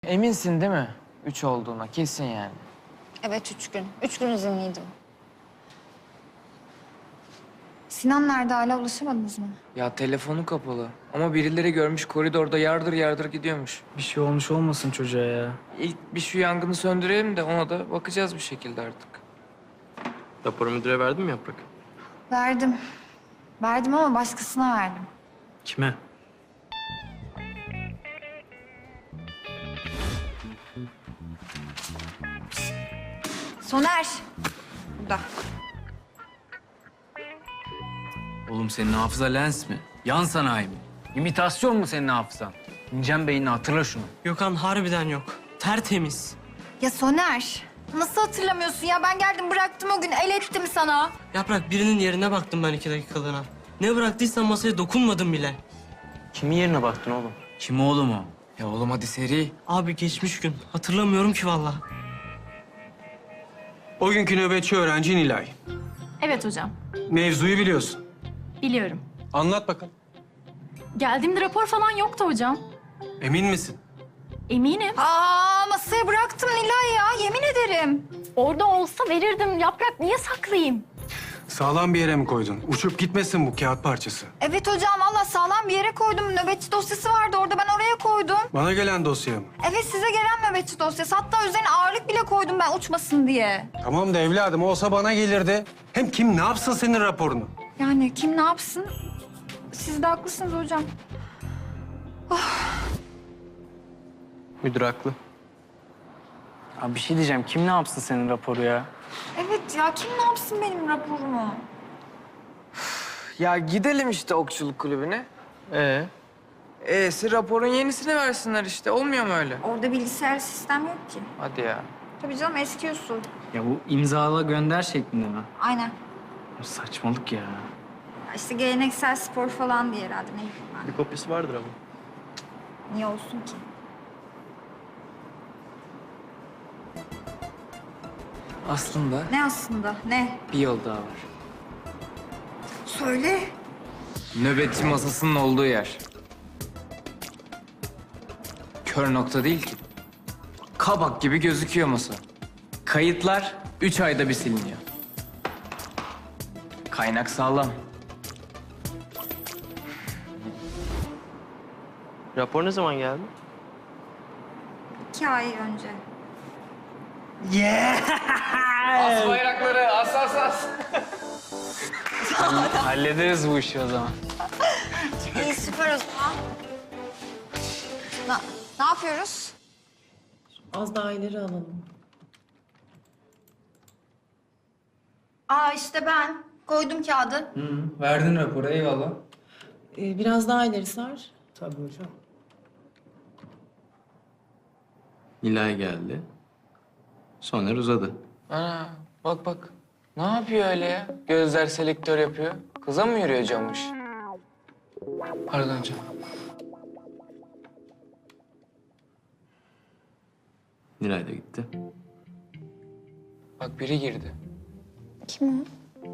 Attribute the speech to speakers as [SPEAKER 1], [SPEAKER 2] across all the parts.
[SPEAKER 1] Eminsin değil mi? 3 olduğuna kesin yani.
[SPEAKER 2] Evet 3 gün. 3 gün izinliydim. Sinan nerede, hala ulaşamadınız mı?
[SPEAKER 1] Ya telefonu kapalı. Ama birileri görmüş koridorda yardır yardır gidiyormuş.
[SPEAKER 3] Bir şey olmuş olmasın çocuğa ya.
[SPEAKER 1] İlk bir şu yangını söndürelim de ona da bakacağız bir şekilde artık.
[SPEAKER 4] Raporu müdüre verdin mi Yaprak?
[SPEAKER 2] Verdim. Verdim ama başkasına verdim.
[SPEAKER 3] Kime?
[SPEAKER 2] Soner. Burada.
[SPEAKER 5] Oğlum senin hafıza lens mi? Yan sanayi mi? İmitasyon mu senin hafızan? İneceksin beynini, hatırla şunu.
[SPEAKER 3] Gökhan harbiden yok. Tertemiz.
[SPEAKER 2] Ya Soner. Nasıl hatırlamıyorsun ya? Ben geldim bıraktım o gün. El ettim sana.
[SPEAKER 3] Yaprak birinin yerine baktım ben 2 dakikalığına. Ne bıraktıysan masaya dokunmadım bile.
[SPEAKER 4] Kimin yerine baktın oğlum?
[SPEAKER 5] Kim oğlum o?
[SPEAKER 1] Ya oğlum hadi seri.
[SPEAKER 3] Abi geçmiş gün. Hatırlamıyorum ki vallahi.
[SPEAKER 6] O günkü nöbetçi öğrenci Nilay.
[SPEAKER 7] Evet hocam,
[SPEAKER 6] Mevzuyu biliyorsun.
[SPEAKER 7] biliyorum.
[SPEAKER 6] Anlat bakalım.
[SPEAKER 7] Geldiğimde rapor falan yoktu hocam.
[SPEAKER 6] Emin misin?
[SPEAKER 7] Eminim.
[SPEAKER 2] Masaya bıraktım Nilay ya. Yemin ederim.
[SPEAKER 7] Orada olsa verirdim. Yaprak niye saklayayım?
[SPEAKER 6] Sağlam bir yere mi koydun? Uçup gitmesin bu kağıt parçası.
[SPEAKER 2] Evet hocam, valla sağlam bir yere koydum. Nöbetçi dosyası vardı orada, ben oraya koydum.
[SPEAKER 6] Bana gelen dosya mı?
[SPEAKER 2] Evet, size gelen nöbetçi dosyası. Hatta üzerine ağırlık bile koydum ben uçmasın diye.
[SPEAKER 6] Tamam da evladım olsa bana gelirdi. Hem kim ne yapsın senin raporunu?
[SPEAKER 2] Yani kim ne yapsın? Siz de haklısınız hocam.
[SPEAKER 4] Müdür haklı.
[SPEAKER 3] Abi bir şey diyeceğim. Kim ne yapsın senin raporu ya?
[SPEAKER 2] Evet ya, kim ne yapsın benim raporumu?
[SPEAKER 1] Ya gidelim işte okçuluk kulübüne. Raporun yenisini versinler işte. Olmuyor mu öyle?
[SPEAKER 2] Orada bilgisayar sistem yok ki.
[SPEAKER 1] Hadi ya.
[SPEAKER 2] Tabii canım, eski usul.
[SPEAKER 5] Ya bu imzala gönder şeklinde mi?
[SPEAKER 2] Aynen.
[SPEAKER 5] Saçmalık ya.
[SPEAKER 2] Ya İşte geleneksel spor falan diye herhalde, ne bileyim ben.
[SPEAKER 4] Bir kopyası vardır ama.
[SPEAKER 2] Niye olsun ki?
[SPEAKER 1] Aslında
[SPEAKER 2] Ne aslında, ne?
[SPEAKER 1] bir yol daha var.
[SPEAKER 2] Söyle.
[SPEAKER 1] Nöbetçi masasının olduğu yer. Kör nokta değil ki. Kabak gibi gözüküyor masa. Kayıtlar 3 ayda bir siliniyor. Kaynak sağlam.
[SPEAKER 4] Rapor ne zaman geldi?
[SPEAKER 2] 2 ay önce.
[SPEAKER 1] As bayrakları, as as as.
[SPEAKER 5] Hallederiz bu işi o zaman.
[SPEAKER 2] İyi, süper o zaman. Ne yapıyoruz?
[SPEAKER 8] Az daha ileri alalım.
[SPEAKER 2] İşte ben. Koydum kağıdı.
[SPEAKER 5] Verdin raporu, eyvallah.
[SPEAKER 8] Biraz daha ileri sar.
[SPEAKER 6] Tabii hocam.
[SPEAKER 4] Nilay geldi. Soner uzadı.
[SPEAKER 1] Ana bak bak. Ne yapıyor öyle ya? Gözler selektör yapıyor. Kıza mı yürüyor camış? Pardon canım.
[SPEAKER 4] Nilay da gitti.
[SPEAKER 1] Bak biri girdi.
[SPEAKER 2] Kim o?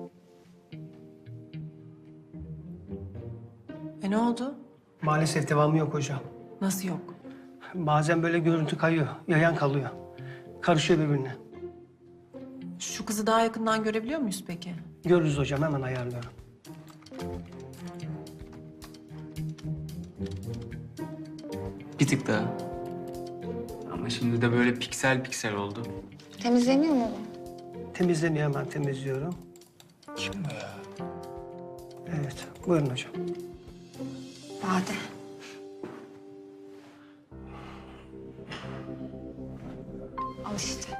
[SPEAKER 8] Ne oldu?
[SPEAKER 9] Maalesef devamı yok hocam.
[SPEAKER 8] Nasıl yok?
[SPEAKER 9] Bazen böyle görüntü kayıyor, yayan kalıyor. Karışıyor birbirine.
[SPEAKER 8] Şu kızı daha yakından görebiliyor muyuz peki?
[SPEAKER 9] Görürüz hocam, hemen ayarlıyorum.
[SPEAKER 5] Bir tık daha. Ama şimdi de böyle piksel piksel oldu.
[SPEAKER 2] Temizleniyor mu bu?
[SPEAKER 9] Temizleniyor, hemen temizliyorum. Kim bu ya? Evet, buyurun hocam.
[SPEAKER 2] Bade. Al işte.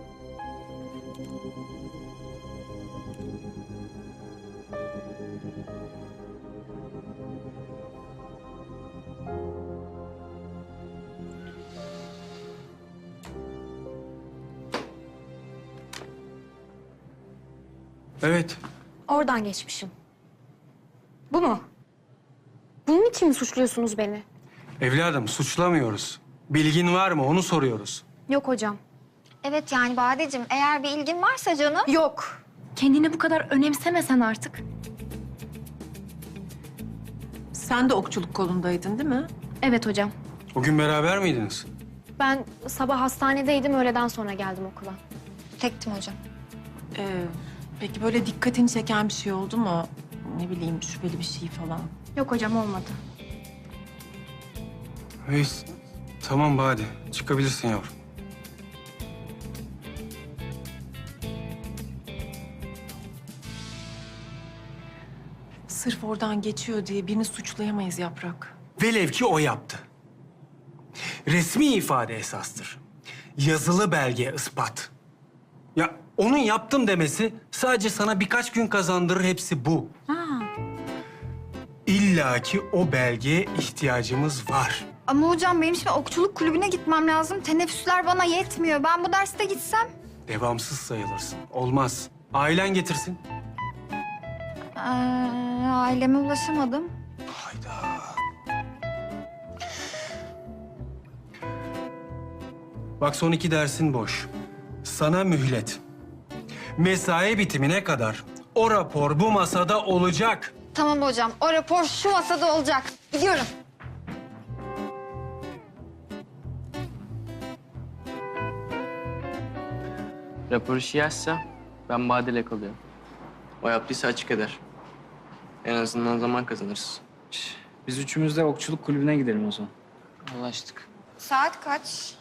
[SPEAKER 6] Evet.
[SPEAKER 10] Oradan geçmişim. Bu mu? Bunun için mi suçluyorsunuz beni?
[SPEAKER 6] Evladım suçlamıyoruz. Bilgin var mı onu soruyoruz.
[SPEAKER 10] Yok hocam.
[SPEAKER 2] Evet yani Badeciğim, eğer bir ilgin varsa canım.
[SPEAKER 10] Yok. Kendini bu kadar önemsemesen artık.
[SPEAKER 8] Sen de okçuluk kolundaydın değil mi?
[SPEAKER 10] Evet hocam.
[SPEAKER 6] O gün beraber miydiniz?
[SPEAKER 10] Ben sabah hastanedeydim, öğleden sonra geldim okula.
[SPEAKER 2] Tektim hocam.
[SPEAKER 8] Peki böyle dikkatini çeken bir şey oldu mu? Ne bileyim şüpheli bir şey falan.
[SPEAKER 10] Yok hocam, olmadı.
[SPEAKER 6] Neyse. Tamam Bade. Çıkabilirsin yavrum.
[SPEAKER 8] Sırf oradan geçiyor diye birini suçlayamayız Yaprak.
[SPEAKER 6] Velev ki o yaptı. Resmi ifade esastır. Yazılı belge ispat. Ya onun yaptım demesi sadece sana birkaç gün kazandırır, hepsi bu. İlla ki o belgeye ihtiyacımız var.
[SPEAKER 2] Ama hocam benim şimdi okçuluk kulübüne gitmem lazım. Teneffüsler bana yetmiyor. Ben bu derste gitsem.
[SPEAKER 6] Devamsız sayılırsın. Olmaz. Ailen getirsin.
[SPEAKER 2] Aileme ulaşamadım.
[SPEAKER 6] Hayda. Bak son 2 dersin boş. Sana mühlet. Mesai bitimine kadar o rapor bu masada olacak.
[SPEAKER 2] Tamam hocam. O rapor şu masada olacak. Gidiyorum.
[SPEAKER 4] Rapor işi yazsa ben Bade'yle kalıyorum. O yaptıysa açık eder. En azından zaman kazanırız.
[SPEAKER 5] Biz üçümüz de okçuluk kulübüne gidelim o zaman.
[SPEAKER 4] Anlaştık.
[SPEAKER 2] Saat kaç?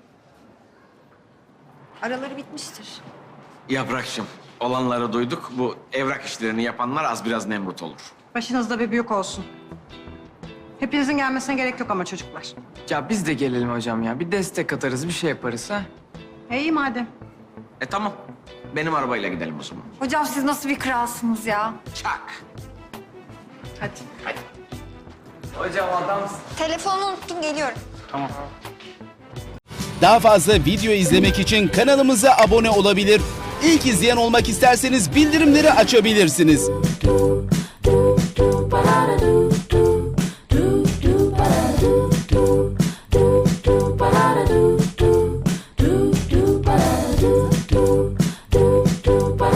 [SPEAKER 2] Araları bitmiştir.
[SPEAKER 11] Yaprakçım, olanları duyduk. Bu evrak işlerini yapanlar az biraz Nemrut olur.
[SPEAKER 8] Başınızda bir büyük olsun. Hepinizin gelmesine gerek yok ama çocuklar.
[SPEAKER 1] Ya biz de gelelim hocam ya. Bir destek atarız, bir şey yaparız ha.
[SPEAKER 8] İyi madem.
[SPEAKER 11] Tamam. Benim arabayla gidelim o zaman.
[SPEAKER 2] Hocam siz nasıl bir kralsınız ya?
[SPEAKER 11] Çak.
[SPEAKER 8] Hadi.
[SPEAKER 1] Hocam adamsın.
[SPEAKER 2] Telefonu unuttum, geliyorum.
[SPEAKER 12] Daha fazla video izlemek için kanalımıza abone olabilir. İlk izleyen olmak isterseniz bildirimleri açabilirsiniz.